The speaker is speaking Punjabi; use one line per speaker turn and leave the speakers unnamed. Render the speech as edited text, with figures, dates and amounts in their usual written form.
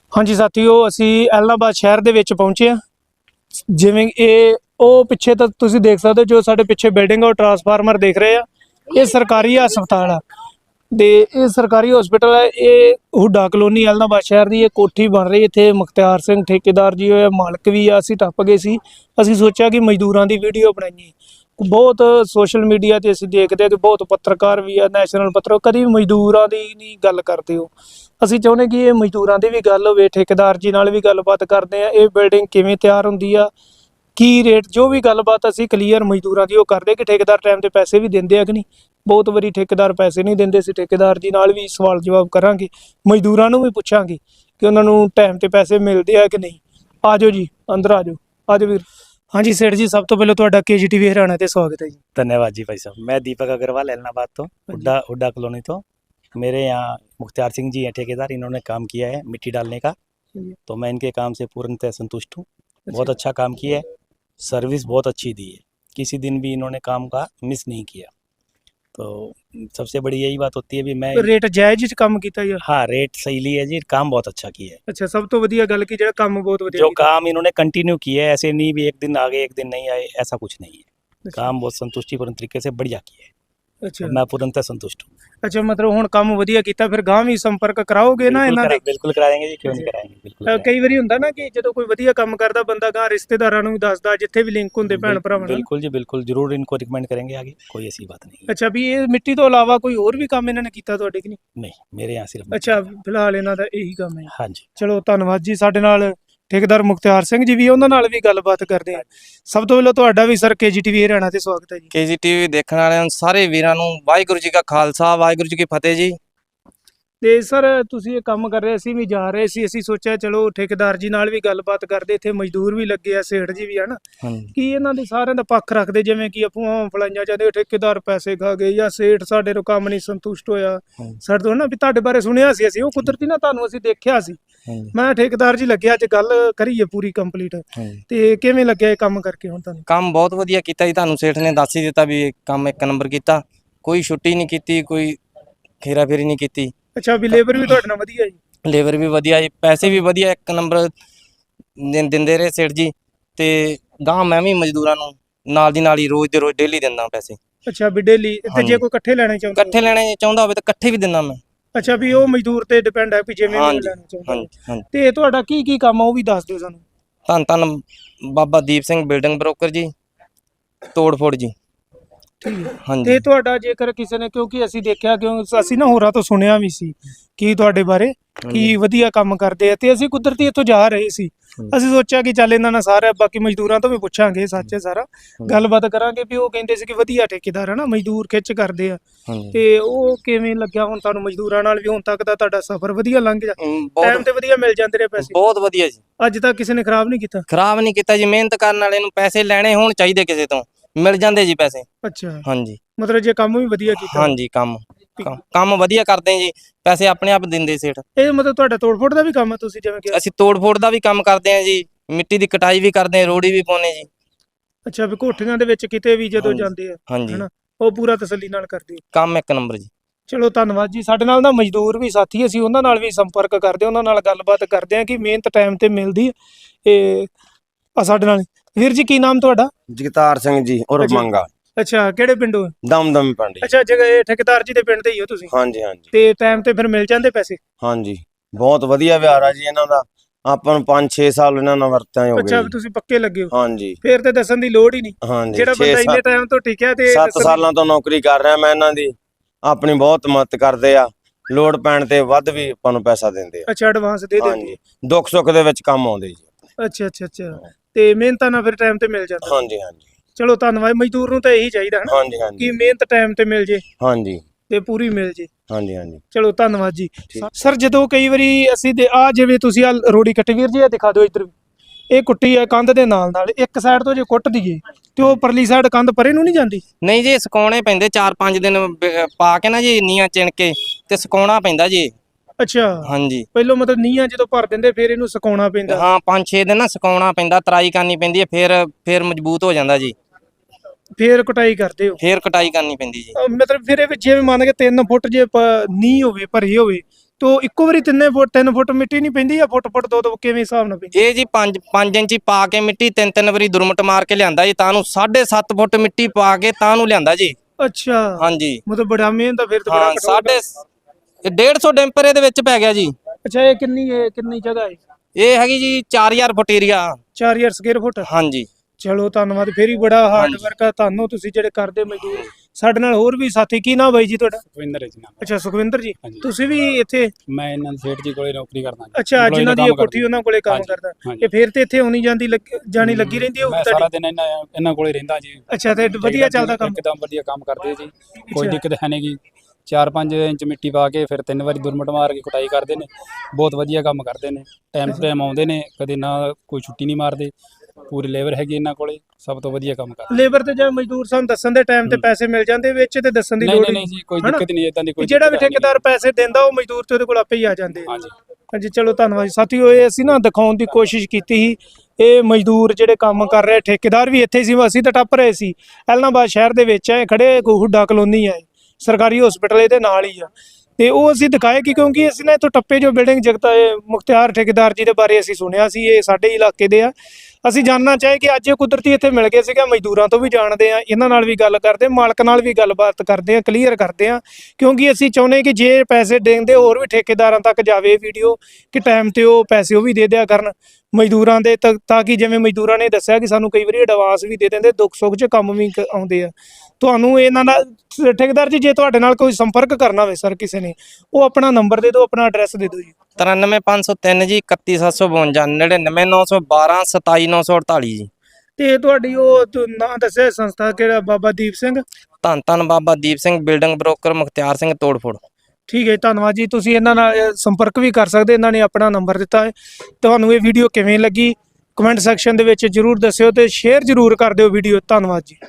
ਹਾਂਜੀ ਸਾਥੀਓ, ਅਸੀਂ ਐਲਨਾਬਾਦ ਸ਼ਹਿਰ ਦੇ ਵਿੱਚ ਪਹੁੰਚੇ ਹਾਂ। ਜਿਵੇਂ ਇਹ ਉਹ ਪਿੱਛੇ ਤਾਂ ਤੁਸੀਂ ਦੇਖ ਸਕਦੇ ਹੋ, ਜੋ ਸਾਡੇ ਪਿੱਛੇ ਬਿਲਡਿੰਗ ਔਰ ਟਰਾਂਸਫਾਰਮਰ ਦੇਖ ਰਹੇ ਆ, ਇਹ ਸਰਕਾਰੀ ਹਸਪਤਾਲ ਆ। ਤੇ ਇਹ ਸਰਕਾਰੀ ਹਸਪਤਾਲ ਹੈ। ਇਹ ਹੁੱਡਾ ਕਲੋਨੀ ਐਲਨਾਬਾਦ ਸ਼ਹਿਰ ਦੀ ਇਹ ਕੋਠੀ ਬਣ ਰਹੀ। ਇੱਥੇ ਮੁਖਤਿਆਰ ਸਿੰਘ ਠੇਕੇਦਾਰ ਜੀ ਹੋਇਆ, ਮਾਲਕ ਵੀ ਆ। ਅਸੀਂ ਟੱਪ ਗਏ ਸੀ। ਅਸੀਂ ਸੋਚਿਆ ਕਿ ਮਜ਼ਦੂਰਾਂ ਦੀ ਵੀਡੀਓ ਬਣਾਈਏ। ਬਹੁਤ ਸੋਸ਼ਲ ਮੀਡੀਆ ਤੇ ਅਸੀਂ ਦੇਖਦੇ ਹਾਂ ਕਿ ਬਹੁਤ ਪੱਤਰਕਾਰ ਵੀ ਆ, ਨੈਸ਼ਨਲ ਪੱਤਰਕਾਰ, ਕਦੀ ਵੀ ਮਜ਼ਦੂਰਾਂ ਦੀ ਨਹੀਂ ਗੱਲ ਕਰਦੇ ਹੋ। ਅਸੀਂ ਚਾਹੁੰਦੇ ਕਿ ਇਹ ਮਜ਼ਦੂਰਾਂ ਦੀ ਵੀ ਗੱਲ ਹੋਵੇ, ਠੇਕੇਦਾਰ ਜੀ ਨਾਲ ਵੀ ਗੱਲਬਾਤ ਕਰਦੇ ਆ। ਇਹ ਬਿਲਡਿੰਗ ਕਿਵੇਂ ਤਿਆਰ ਹੁੰਦੀ ਆ, ਕੀ ਰੇਟ, ਜੋ ਵੀ ਗੱਲਬਾਤ ਅਸੀਂ ਕਲੀਅਰ ਮਜ਼ਦੂਰਾਂ ਦੀ ਉਹ ਕਰਦੇ ਕਿ ਠੇਕੇਦਾਰ ਟਾਈਮ ਤੇ ਪੈਸੇ ਵੀ ਦਿੰਦੇ ਆ ਕਿ ਨਹੀਂ। ਬਹੁਤ ਵਾਰੀ ਠੇਕੇਦਾਰ ਪੈਸੇ ਨਹੀਂ ਦਿੰਦੇ। ਅਸੀਂ ਠੇਕੇਦਾਰ ਜੀ ਨਾਲ ਵੀ ਸਵਾਲ ਜਵਾਬ ਕਰਾਂਗੇ, ਮਜ਼ਦੂਰਾਂ ਨੂੰ ਵੀ ਪੁੱਛਾਂਗੇ ਕਿ ਉਹਨਾਂ ਨੂੰ ਟਾਈਮ ਤੇ ਪੈਸੇ ਮਿਲਦੇ ਆ ਕਿ ਨਹੀਂ। ਆ ਜਾਓ ਜੀ, ਅੰਦਰ ਆ ਜਾਓ, ਆ ਜਾਓ ਵੀਰ। ਹਾਂਜੀ ਸੇठ ਜੀ, ਸਭ ਤੋਂ ਪਹਿਲਾਂ ਤੁਹਾਡਾ KGTV ਹਰਿਆਣਾ ਤੇ ਸਵਾਗਤ ਹੈ ਜੀ।
धन्यवाद जी भाई साहब। मैं दीपक अग्रवाल एलनाबाद तो हुड्डा हुड्डा कॉलोनी तो मेरे यहाँ मुख्तार सिंह जी हैं ठेकेदार। इन्होंने काम किया है मिट्टी डालने का, तो मैं इनके काम से पूर्णतः संतुष्ट हूँ। बहुत अच्छा काम किया है, सर्विस बहुत अच्छी दी है, किसी दिन भी इन्होंने काम का मिस नहीं किया। तो सबसे बड़ी यही बात होती है भी मैं
ਰੇਟ ਜਾਇਜ਼ ਚ ਕੰਮ ਕੀਤਾ ਜੀ।
हाँ रेट सही लिया है जी, काम बहुत अच्छा किया है।
ਅੱਛਾ, ਸਭ ਤੋਂ ਵਧੀਆ ਗੱਲ ਕਿ ਜਿਹੜਾ ਕੰਮ ਬਹੁਤ ਵਧੀਆ
जो
ਕੀਤਾ।
काम इन्होंने कंटिन्यू किया है, ऐसे नहीं भी एक दिन आगे एक दिन नहीं आए, ऐसा कुछ नहीं है।
ਅੱਛਾ,
काम बहुत संतुष्टिपूर्ण तरीके से बढ़िया किया है,
ਅੱਛਾ
और मैं पूर्णतः संतुष्ट हूँ।
ਅੱਛਾ, ਮਤਲਬ ਹੁਣ ਕੰਮ ਵਧੀਆ ਕੀਤਾ, ਫਿਰ ਗਾਂ ਵੀ ਸੰਪਰਕ ਕਰਾਓਗੇ ਨਾ ਇਹਨਾਂ ਦੇ।
बिल्कुल कराएंगे जी, क्यों नहीं कराएंगे, बिल्कुल कराएंगे।
ਕਈ ਵਾਰੀ ਹੁੰਦਾ ਨਾ ਕਿ ਜਦੋਂ ਕੋਈ ਵਧੀਆ ਕੰਮ ਕਰਦਾ ਬੰਦਾ ਗਾਂ ਰਿਸ਼ਤੇਦਾਰਾਂ ਨੂੰ ਵੀ ਦੱਸਦਾ, ਜਿੱਥੇ ਵੀ ਲਿੰਕ ਹੁੰਦੇ ਭੈਣ ਭਰਾਵਾਂ ਨਾਲ।
बिल्कुल जी बिल्कुल, जरूर इनको रिकमेंड करेंगे आगे, कोई ऐसी बात नहीं है।
ਅੱਛਾ, ਵੀ ਇਹ ਮਿੱਟੀ ਤੋਂ ਇਲਾਵਾ ਕੋਈ ਹੋਰ ਵੀ ਕੰਮ ਇਹਨਾਂ ਨੇ ਕੀਤਾ ਤੁਹਾਡੇ ਕਿ ਨਹੀਂ?
नहीं, मेरे यहाँ सिर्फ
ਅੱਛਾ, ਫਿਲਹਾਲ ਇਹਨਾਂ ਦਾ ਇਹੀ ਕੰਮ ਹੈ।
हाँ जी।
ਚਲੋ ਧੰਨਵਾਦ ਜੀ। ਸਾਡੇ ਨਾਲ ਠੇਕੇਦਾਰ ਮੁਖਤਿਆਰ ਸਿੰਘ ਜੀ ਵੀ, ਉਹਨਾਂ ਨਾਲ ਵੀ ਗੱਲਬਾਤ ਕਰਦੇ ਆ। ਸਭ ਤੋਂ ਪਹਿਲਾਂ ਤੁਹਾਡਾ ਵੀ ਸਰ KGTV ਹਰਿਆਣਾ ਤੇ ਸਵਾਗਤ ਹੈ ਜੀ।
KGTV ਦੇਖਣ ਵਾਲਿਆਂ ਨੂੰ, ਸਾਰੇ ਵੀਰਾਂ ਨੂੰ ਵਾਹਿਗੁਰੂ ਜੀ ਕਾ ਖਾਲਸਾ, ਵਾਹਿਗੁਰੂ ਜੀ ਕੀ ਫਤਿਹ ਜੀ।
ਤੇ ਸਰ ਤੁਸੀਂ ਇਹ ਕੰਮ ਕਰ ਰਹੇ ਸੀ, ਵੀ ਜਾ ਰਹੇ ਸੀ, ਅਸੀਂ ਸੋਚਿਆ ਚਲੋ ਠੇਕੇਦਾਰ ਜੀ ਨਾਲ ਵੀ ਗੱਲਬਾਤ ਕਰਦੇ। ਇੱਥੇ ਮਜ਼ਦੂਰ ਵੀ ਲੱਗੇ ਆ, ਸੇਠ ਜੀ ਵੀ ਹਨ, ਕੀ ਇਹਨਾਂ ਦੇ ਸਾਰਿਆਂ ਦਾ ਪੱਖ ਰੱਖਦੇ, ਜਿਵੇਂ ਕਿ ਅਫਵਾਹਾਂ ਫਲਾਈਆਂ ਜਾਂਦੇ ਠੇਕੇਦਾਰ ਪੈਸੇ ਖਾ ਗਏ ਜਾਂ ਸੇਠ ਸਾਡੇ ਤੋਂ ਕੰਮ ਨਹੀਂ ਸੰਤੁਸ਼ਟ ਹੋਇਆ। ਸਾਡੇ ਤੋਂ ਨਾ ਵੀ ਤੁਹਾਡੇ ਬਾਰੇ ਸੁਣਿਆ ਸੀ ਅਸੀਂ, ਉਹ ਕੁਦਰਤੀ ਨਾ ਤੁਹਾਨੂੰ ਅਸੀਂ ਦੇਖਿਆ ਸੀ। ਮੈਂ ਠੇਕੇਦਾਰ ਜੀ ਲੱਗਿਆ, ਅੱਜ ਗੱਲ ਕਰੀਏ ਪੂਰੀ ਕੰਪਲੀਟ। ਤੇ ਕਿਵੇਂ ਲੱਗਿਆ ਇਹ ਕੰਮ ਕਰਕੇ ਹੁਣ ਤੁਹਾਨੂੰ?
ਕੰਮ ਬਹੁਤ ਵਧੀਆ ਕੀਤਾ ਜੀ, ਤੁਹਾਨੂੰ ਸੇਠ ਨੇ ਦੱਸ ਹੀ ਦਿੱਤਾ ਵੀ ਇਹ ਕੰਮ ਇੱਕ ਨੰਬਰ ਕੀਤਾ। ਕੋਈ ਛੁੱਟੀ ਨਹੀਂ ਕੀਤੀ, ਕੋਈ ਖੇਰਾ ਫੇਰੀ ਨਹੀਂ ਕੀਤੀ।
ਅੱਛਾ, ਵੀ ਲੇਬਰ ਵੀ ਤੁਹਾਡੇ ਨਾਲ ਵਧੀਆ ਜੀ?
ਲੇਬਰ ਵੀ ਵਧੀਆ ਜੀ, ਪੈਸੇ ਵੀ ਵਧੀਆ ਇੱਕ ਨੰਬਰ ਦਿੰਦੇ ਰਹੇ ਸੇਠ ਜੀ। ਤੇ ਗਾਂ ਮੈਂ ਵੀ ਮਜ਼ਦੂਰਾਂ ਨੂੰ ਨਾਲ ਦੀ ਨਾਲ ਹੀ ਰੋਜ਼ ਦੇ ਰੋਜ਼ ਡੇਲੀ ਦਿੰਦਾ ਪੈਸੇ।
ਅੱਛਾ, ਵੀ ਡੇਲੀ। ਤੇ ਜੇ ਕੋਈ ਇਕੱਠੇ ਲੈਣੇ ਚਾਹੁੰਦਾ?
ਇਕੱਠੇ ਲੈਣੇ ਚਾਹੁੰਦਾ ਹੋਵੇ ਤਾਂ ਇਕੱਠੇ ਵੀ ਦਿੰਦਾ ਮੈਂ।
ਅੱਛਾ, ਵੀ ਉਹ ਮਜ਼ਦੂਰ ਤੇ ਡਿਪੈਂਡ ਹੈ ਵੀ ਜਿਵੇਂ ਉਹ ਲੈਣਾ ਚਾਹੁੰਦਾ।
ਹਾਂਜੀ।
ਤੇ ਤੁਹਾਡਾ ਕੀ ਕੀ ਕੰਮ ਆ ਉਹ ਵੀ ਦੱਸ ਦਿਓ ਸਾਨੂੰ।
ਧੰਨ ਬਾਬਾ ਦੀਪ ਸਿੰਘ ਬਿਲਡਿੰਗ ਬ੍ਰੋਕਰ ਜੀ, ਤੋੜ ਫੋੜ ਜੀ। ਹਾਂਜੀ।
ਤੇ ਤੁਹਾਡਾ ਜੇਕਰ ਕਿਸੇ ਨੇ, ਕਿਉਂਕਿ ਅਸੀਂ ਦੇਖਿਆ, ਕਿਉਂ ਅਸੀਂ ਨਾ ਹੋਰਾਂ ਤੋਂ ਸੁਣਿਆ ਵੀ ਸੀ ਕਿ ਤੁਹਾਡੇ ਬਾਰੇ ਕੀ ਵਧੀਆ ਕੰਮ ਕਰਦੇ ਆ, ਤੇ ਅਸੀਂ ਕੁਦਰਤੀ ਇੱਥੋਂ ਜਾ ਰਹੇ ਸੀ। ਅਸੀਂ ਸੋਚਿਆ ਕਿ ਚੱਲ ਇਹਨਾਂ ਨਾਲ ਸਾਰਾ ਬਾਕੀ ਮਜ਼ਦੂਰਾਂ ਤੋਂ ਵੀ ਪੁੱਛਾਂਗੇ, ਸੱਚ ਹੈ ਸਾਰਾ, ਗੱਲਬਾਤ ਕਰਾਂਗੇ ਵੀ ਉਹ ਕਹਿੰਦੇ ਸੀ ਕਿ ਵਧੀਆ ਠੇਕੇਦਾਰ ਹੈ ਨਾ, ਮਜ਼ਦੂਰ ਖਿੱਚ ਕਰਦੇ ਆ। ਤੇ ਉਹ ਕਿਵੇਂ ਲੱਗਿਆ ਹੁਣ ਤੁਹਾਨੂੰ ਮਜ਼ਦੂਰਾਂ ਨਾਲ ਵੀ? ਹੁਣ ਤੱਕ ਦਾ ਤੁਹਾਡਾ ਸਫ਼ਰ ਵਧੀਆ ਲੰਘ ਗਿਆ, ਟਾਈਮ ਤੇ ਵਧੀਆ ਮਿਲ ਜਾਂਦੇ ਰਹੇ ਪੈਸੇ?
ਬਹੁਤ ਵਧੀਆ ਜੀ,
ਅੱਜ ਤੱਕ ਕਿਸੇ ਨੇ ਖਰਾਬ ਨਹੀਂ ਕੀਤਾ?
ਖਰਾਬ ਨਹੀਂ ਕੀਤਾ ਜੀ। ਮਿਹਨਤ ਕਰਨ ਵਾਲੇ ਨੂੰ ਪੈਸੇ ਲੈਣੇ ਹੋਣ ਚਾਹੀਦੇ, ਕਿਸੇ ਤੋਂ ਮਿਲ ਜਾਂਦੇ ਜੀ ਪੈਸੇ।
ਅੱਛਾ,
ਹਾਂਜੀ,
ਮਤਲਬ ਜੇ ਕੰਮ ਵੀ ਵਧੀਆ ਕੀਤਾ?
ਹਾਂਜੀ, ਕੰਮ ਵਧੀਆ ਕਰਦੇ ਜੀ, ਪੈਸੇ ਆਪਣੇ ਆਪ ਦਿੰਦੇ ਸੇਠ।
ਇਹ ਮਤਲਬ ਤੁਹਾਡਾ ਤੋੜ-ਫੋੜ ਦਾ ਵੀ ਕੰਮ ਹੈ, ਤੁਸੀਂ ਜਿਵੇਂ ਕਿ?
ਅਸੀਂ ਤੋੜ-ਫੋੜ ਦਾ ਵੀ ਕੰਮ ਕਰਦੇ ਆ ਜੀ, ਮਿੱਟੀ ਦੀ ਕਟਾਈ ਵੀ ਕਰਦੇ ਆ, ਰੋੜੀ ਵੀ ਪਾਉਂਦੇ ਜੀ।
ਅੱਛਾ, ਵੀ ਕੋਠੀਆਂ ਦੇ ਵਿੱਚ ਕਿਤੇ ਵੀ ਜਦੋਂ
ਹਾਂਜੀ,
ਜਾਂਦੇ ਆ
ਹਾਂਜੀ,
ਹਨਾ, ਉਹ ਪੂਰਾ ਤਸੱਲੀ ਨਾਲ ਕਰਦੇ ਹੋ?
ਕੰਮ ਇੱਕ ਨੰਬਰ ਜੀ।
ਚਲੋ ਧੰਨਵਾਦ ਜੀ। ਸਾਡੇ ਨਾਲ ਨਾ ਮਜ਼ਦੂਰ ਵੀ ਸਾਥੀ, ਅਸੀਂ ਉਹਨਾਂ ਨਾਲ ਵੀ ਸੰਪਰਕ ਕਰਦੇ, ਉਹਨਾਂ ਨਾਲ ਗੱਲਬਾਤ ਕਰਦੇ ਆ ਕਿ ਮਿਹਨਤ ਟਾਈਮ ਤੇ ਮਿਲਦੀ ਹੈ। ਇਹ ਆ ਸਾਡੇ ਨਾਲ ਵੀਰ ਜੀ, ਕੀ ਨਾਮ ਤੁਹਾਡਾ?
ਜਗਤਾਰ ਸਿੰਘ ਜੀ ਔਰ ਮੰਗਾ।
ਅੱਛਾ, ਕਿਹੜੇ ਪਿੰਡੋਂ?
ਦਮਦਮੀ ਪਿੰਡ।
ਅੱਛਾ, ਜਗ੍ਹਾ ਇਹ ਠੇਕੇਦਾਰ ਜੀ ਦੇ ਪਿੰਡ ਦੇ ਹੀ ਹੋ ਤੁਸੀਂ?
ਹਾਂਜੀ ਹਾਂਜੀ।
ਤੇ ਟਾਈਮ ਤੇ ਫਿਰ ਮਿਲ ਜਾਂਦੇ ਪੈਸੇ?
ਹਾਂਜੀ, ਬਹੁਤ ਵਧੀਆ ਵਿਹਾਰ ਆ ਜੀ ਇਹਨਾਂ ਦਾ। ਆਪਾਂ ਨੂੰ 5-6 ਸਾਲ ਇਹਨਾਂ ਨਾਲ ਵਰਤਿਆ ਹੋ
ਅੱਛਾ,
ਗਏ।
ਤੁਸੀਂ ਪੱਕੇ ਲੱਗੇ ਹੋ?
ਹਾਂਜੀ
ਫਿਰ ਤੇ ਦੱਸਣ ਦੀ ਲੋੜ ਹੀ ਨਹੀਂ।
ਹਾਂਜੀ।
ਜਿਹੜਾ ਬੰਦਾ ਇੰਨੇ ਟਾਈਮ ਤੋਂ ਟਿਕਿਆ ਤੇ
7 ਸਾਲਾਂ ਤੋਂ ਨੌਕਰੀ ਕਰ ਰਿਹਾ ਮੈਂ ਇਹਨਾਂ ਦੀ, ਆਪਣੀ ਬਹੁਤ ਮਦਦ ਕਰਦੇ ਆ। ਲੋੜ ਪੈਣ ਤੇ ਵੱਧ ਵੀ ਆਪਾਂ ਨੂੰ ਪੈਸਾ ਦਿੰਦੇ ਆ।
ਅੱਛਾ, ਐਡਵਾਂਸ ਦੇ ਦਿੰਦੇ?
ਹਾਂਜੀ, ਦੁੱਖ ਸੁੱਖ ਦੇ ਵਿੱਚ ਕੰਮ ਆਉਂਦੇ ਜੀ।
ਅੱਛਾ ਅੱਛਾ ਅੱਛਾ, ਤੇ ਮਿਹਨਤਾਂ ਨਾਲ ਫਿਰ ਟਾਈਮ ਤੇ ਮਿਲ ਜਾਂਦਾ?
ਹਾਂਜੀ ਹਾਂਜੀ।
ਚਲੋ ਧੰਨਵਾਦ। ਮਜ਼ਦੂਰ ਨੂੰ ਤਾਂ ਇਹੀ ਚਾਹੀਦਾ ਹੈ ਨਾ
ਹਾਂਜੀ ਹਾਂਜੀ
ਕਿ ਮਿਹਨਤ ਟਾਈਮ ਤੇ ਮਿਲ ਜੇ
ਹਾਂਜੀ
ਤੇ ਪੂਰੀ ਮਿਲ ਜੇ।
ਹਾਂਜੀ ਹਾਂਜੀ।
ਚਲੋ ਧੰਨਵਾਦ ਜੀ।
ਠੀਕ।
ਸਰ, ਜਦੋਂ ਕਈ ਵਾਰੀ ਅਸੀਂ ਆ ਜਿਵੇਂ ਤੁਸੀਂ ਆ ਰੋੜੀ ਕੱਟੀ, ਵੀਰ ਜੀ ਇਹ ਦਿਖਾ ਦਿਓ ਇੱਧਰ। ਇਹ ਕੁੱਟੀ ਹੈ ਕੰਧ ਦੇ ਨਾਲ ਨਾਲ, ਇੱਕ ਸਾਈਡ ਤੋਂ ਜੇ ਕੁੱਟ ਦਈਏ ਤੇ ਉਹ ਪਰਲੀ ਸਾਈਡ ਕੰਧ ਪਰੇ ਨੂੰ ਨਹੀਂ ਜਾਂਦੀ?
ਨਹੀਂ ਜੀ, ਸੁਕਾਉਣੇ ਪੈਂਦੇ 4-5 ਦਿਨ ਪਾ ਕੇ ਨਾ ਜੀ, ਨੀਆਂ ਚਿਣ ਕੇ ਤੇ ਸੁਕਾਉਣਾ ਪੈਂਦਾ ਜੀ।
ਅੱਛਾ,
ਹਾਂਜੀ।
ਪਹਿਲੋਂ ਮਤਲਬ ਨੀਹਾਂ ਜਦੋਂ ਭਰ ਦਿੰਦੇ ਫਿਰ ਇਹਨੂੰ ਸੁਕਾਉਣਾ ਪੈਂਦਾ?
ਹਾਂ, 5-6 ਦਿਨ ਨਾ ਸੁਕਾਉਣਾ ਪੈਂਦਾ, ਤਰਾਈ ਕਰਨੀ ਪੈਂਦੀ ਹੈ, ਫਿਰ ਮਜ਼ਬੂਤ ਹੋ ਜਾਂਦਾ ਜੀ।
ਫਿਰ ਕਟਾਈ ਕਰਦੇ ਹੋ?
ਫਿਰ ਕਟਾਈ ਕਰਨੀ ਪੈਂਦੀ ਜੀ।
ਮਤਲਬ ਫਿਰ ਇਹ ਵਿੱਚ ਜਿਵੇਂ ਮੰਨ ਕੇ 3 ਫੁੱਟ ਜੇ ਨੀਂਹ ਹੋਵੇ, ਭਰੀ ਹੋਵੇ, ਤੋ ਇੱਕੋ ਵਾਰੀ 3 ਫੁੱਟ ਮਿੱਟੀ ਨਹੀਂ ਪੈਂਦੀ ਜਾਂ ਫੁੱਟ 2 ਕਿਵੇਂ ਹਿਸਾਬ ਨਾਲ ਪੈਂਦੀ?
ਇਹ ਜੀ 5 ਇੰਚੀ ਪਾ ਕੇ ਮਿੱਟੀ 3 ਵਾਰੀ ਦੁਰਮਟ ਮਾਰ ਕੇ ਲਿਆਂਦਾ ਜੀ, ਤਾਂ ਨੂੰ 7.5 ਫੁੱਟ ਮਿੱਟੀ ਪਾ ਕੇ ਤਾਂ ਨੂੰ ਲਿਆਂਦਾ ਜੀ।
ਅੱਛਾ,
ਹਾਂਜੀ
ਮਤਲਬ ਬੜਾ ਮਿਹਨਤ ਆ ਫਿਰ ਤਾਂ, ਬੜਾ
ਹਾਂ,
ਕਠੋਰ ਕੰਮ।
150 ਡੈਂਪਰ ਇਹਦੇ ਵਿੱਚ ਪੈ ਗਿਆ ਜੀ।
ਅੱਛਾ, ਇਹ ਕਿੰਨੀ ਜਗ੍ਹਾ ਹੈ?
ਇਹ ਹੈਗੀ ਜੀ 4000 ਫੁੱਟ ਏਰੀਆ।
4000 square foot.
ਹਾਂਜੀ
ਚਲੋ ਧੰਨਵਾਦ, ਫੇਰ ਹੀ ਬੜਾ ਹਾਰਡ
ਹਾਂਜੀ।
ਵਰਕ ਆ ਤੁਹਾਨੂੰ, ਤੁਸੀਂ ਜਿਹੜੇ ਕਰਦੇ ਮਜ਼ਦੂਰ। ਸਾਡੇ ਨਾਲ ਹੋਰ ਵੀ ਸਾਥੀ, ਕੀ ਨਾਮ ਬਾਈ ਜੀ ਤੁਹਾਡਾ?
ਸੁਖਵਿੰਦਰ ਜੀ ਨਾਮ।
ਅੱਛਾ, ਸੁਖਵਿੰਦਰ ਜੀ,
ਹਾਂਜੀ।
ਤੁਸੀਂ ਵੀ ਇੱਥੇ?
ਮੈਂ ਇਹਨਾਂ ਦੇ ਸੇਠ ਜੀ ਕੋਲੇ ਨੌਕਰੀ ਕਰਦਾ ਜੀ।
ਅੱਛਾ,
employee
ਜਿਨ੍ਹਾਂ
ਦਾ
ਦੀ
ਕੰਮ
ਕੋਠੀ ਉਹਨਾਂ ਕੋਲੇ ਕੰਮ
ਹਾਂਜੀ,
ਕਰਦਾ।
ਹਾਂਜੀ।
ਇਹ ਫੇਰ ਤੇ ਇੱਥੇ ਹੋਣੀ ਜਾਣੀ ਲੱਗੀ ਰਹਿੰਦੀ ਹੋਊ
ਮੈਂ
ਤੁਹਾਡੀ?
ਸਾਰਾ ਦਿਨ ਇਹਨਾਂ ਕੋਲੇ ਰਹਿੰਦਾ ਜੀ।
ਅੱਛਾ, ਤੇ ਵਧੀਆ ਚੱਲਦਾ ਕੰਮ?
ਇੱਕਦਮ ਵਧੀਆ ਕੰਮ ਕਰਦੇ ਜੀ, ਕੋਈ
ਅੱਛਾ।
ਦਿੱਕਤ ਹੈ ਨਹੀਂ ਗੀ। 4-5 ਇੰਚ ਮਿੱਟੀ ਪਾ ਕੇ ਫਿਰ 3 ਵਾਰੀ ਦੁਰਮਟ ਮਾਰ ਕੇ ਕੁਟਾਈ ਕਰਦੇ ਨੇ। ਬਹੁਤ ਵਧੀਆ ਕੰਮ ਕਰਦੇ ਨੇ, ਟਾਈਮ ਟੂ ਟਾਈਮ ਆਉਂਦੇ ਨੇ, ਕਦੇ ਨਾ ਕੋਈ ਛੁੱਟੀ ਨਹੀਂ ਮਾਰਦੇ। ਪੂਰੀ ਲੇਬਰ ਹੈਗੀ ਇਹਨਾਂ ਕੋਲੇ, ਸਭ ਤੋਂ ਵਧੀਆ ਕੰਮ ਕਰਦੇ।
ਲੇਬਰ ਤੇ ਜਾਂ ਮਜ਼ਦੂਰ ਸਾਨੂੰ ਦੱਸਣ ਦੇ ਟਾਈਮ ਤੇ ਪੈਸੇ ਮਿਲ ਜਾਂਦੇ ਵਿੱਚ, ਤੇ ਦੱਸਣ ਦੀ ਲੋੜ
ਨਹੀਂ ਜੀ, ਕੋਈ ਦਿੱਕਤ ਨਹੀਂ, ਇਦਾਂ ਦੀ ਕੋਈ
ਜਿਹੜਾ ਵੀ
ਦਿੱਕਤ ਹੈ ਨਹੀਂ।
ਠੇਕੇਦਾਰ ਪੈਸੇ ਦਿੰਦਾ ਉਹ ਮਜ਼ਦੂਰ ਤੇ ਉਹਦੇ ਕੋਲ ਆਪੇ ਹੀ ਆ ਜਾਂਦੇ ਆ।
ਹਾਂਜੀ
ਹਾਂਜੀ, ਚਲੋ ਧੰਨਵਾਦ ਜੀ। ਸਾਥੀਓ, ਇਹ ਅਸੀਂ ਨਾ ਦਿਖਾਉਣ ਦੀ ਕੋਸ਼ਿਸ਼ ਕੀਤੀ ਸੀ, ਇਹ ਮਜ਼ਦੂਰ ਜਿਹੜੇ ਕੰਮ ਕਰ ਰਹੇ, ਠੇਕੇਦਾਰ ਵੀ ਇੱਥੇ ਸੀ, ਅਸੀਂ ਤਾਂ ਟੱਪ ਰਹੇ ਸੀ। ਐਲਨਾਬਾਦ ਸ਼ਹਿਰ ਦੇ ਵਿੱਚ ਹੈ ਖੜੇ, ਕੋਈ ਹੁੱਡਾ ਕਲੋਨੀ ਹੈ, ਸਰਕਾਰੀ ਹਸਪੀਟਲ ਇਹਦੇ ਨਾਲ ਹੀ ਆ। ਤੇ ਉਹ ਅਸੀਂ ਦਿਖਾਏ ਕਿ ਕਿਉਂਕਿ ਅਸੀਂ ਨਾ ਇੱਥੋਂ ਟੱਪੇ ਜੋ ਬਿਲਡਿੰਗ ਜਗਤਾ ਮੁਖਤਿਆਰ ਠੇਕੇਦਾਰ ਜੀ ਦੇ ਬਾਰੇ ਅਸੀਂ ਸੁਣਿਆ ਸੀ, ਇਹ ਸਾਡੇ ਇਲਾਕੇ ਦੇ ਆ। ਅਸੀਂ ਜਾਣਨਾ ਚਾਹੇ ਕਿ ਅੱਜ ਇਹ ਕੁਦਰਤੀ ਇੱਥੇ ਮਿਲ ਗਏ ਸੀਗਾ, ਮਜ਼ਦੂਰਾਂ ਤੋਂ ਵੀ ਜਾਣਦੇ ਆ, ਇਹਨਾਂ ਨਾਲ ਵੀ ਗੱਲ ਕਰਦੇ, ਮਾਲਕ ਨਾਲ ਵੀ ਗੱਲਬਾਤ ਕਰਦੇ ਆ, ਕਲੀਅਰ ਕਰਦੇ ਆ, ਕਿਉਂਕਿ ਅਸੀਂ ਚਾਹੁੰਦੇ ਕਿ ਜੇ ਪੈਸੇ ਦੇਂਦੇ ਹੋਰ ਵੀ ਠੇਕੇਦਾਰਾਂ ਤੱਕ ਜਾਵੇ ਵੀਡੀਓ, ਕਿ ਟਾਈਮ ਤੇ ਉਹ ਪੈਸੇ ਉਹ ਵੀ ਦੇ ਦਿਆ ਕਰਨ ਮਜ਼ਦੂਰਾਂ ਦੇ, ਤਾਂ ਕਿ ਜਿਵੇਂ ਮਜ਼ਦੂਰਾਂ ਨੇ ਦੱਸਿਆ ਕਿ ਸਾਨੂੰ ਕਈ ਵਾਰੀ ਐਡਵਾਂਸ ਵੀ ਦੇ ਦਿੰਦੇ, ਦੁੱਖ ਸੁੱਖ 'ਚ ਕੰਮ ਵੀ ਆਉਂਦੇ ਆ। ਤੁਹਾਨੂੰ ਇਹਨਾਂ ਨਾਲ ਠੇਕੇਦਾਰ ਜੀ, ਜੇ ਤੁਹਾਡੇ ਨਾਲ ਕੋਈ ਸੰਪਰਕ ਕਰਨਾ ਹੋਵੇ ਸਰ ਕਿਸੇ ਨੇ, ਉਹ ਆਪਣਾ ਨੰਬਰ ਦੇ ਦਿਓ, ਆਪਣਾ ਐਡਰੈਸ ਦੇ ਦਿਓ ਜੀ।
93503 ਜੀ, 31752, 99912 27948 ਜੀ।
ਤੇ ਤੁਹਾਡੀ ਉਹ ਨਾਂ ਦੱਸਿਆ ਸੰਸਥਾ ਕਿਹੜਾ? ਬਾਬਾ ਦੀਪ ਸਿੰਘ।
ਧੰਨ ਬਾਬਾ ਦੀਪ ਸਿੰਘ ਬਿਲਡਿੰਗ ਬ੍ਰੋਕਰ ਮੁਖਤਿਆਰ ਸਿੰਘ ਤੋੜਫੋੜ।
ਠੀਕ ਹੈ, ਧੰਨਵਾਦ ਜੀ। ਤੁਸੀਂ ਇਹਨਾਂ ਨਾਲ ਸੰਪਰਕ ਵੀ ਕਰ ਸਕਦੇ, ਇਹਨਾਂ ਨੇ ਆਪਣਾ ਨੰਬਰ ਦਿੱਤਾ ਹੈ। ਤੁਹਾਨੂੰ ਇਹ ਵੀਡੀਓ ਕਿਵੇਂ ਲੱਗੀ ਕਮੈਂਟ ਸੈਕਸ਼ਨ ਦੇ ਵਿੱਚ ਜਰੂਰ ਦੱਸਿਓ, ਤੇ ਸ਼ੇਅਰ ਜਰੂਰ ਕਰ ਦਿਓ ਵੀਡੀਓ। ਧੰਨਵਾਦ ਜੀ।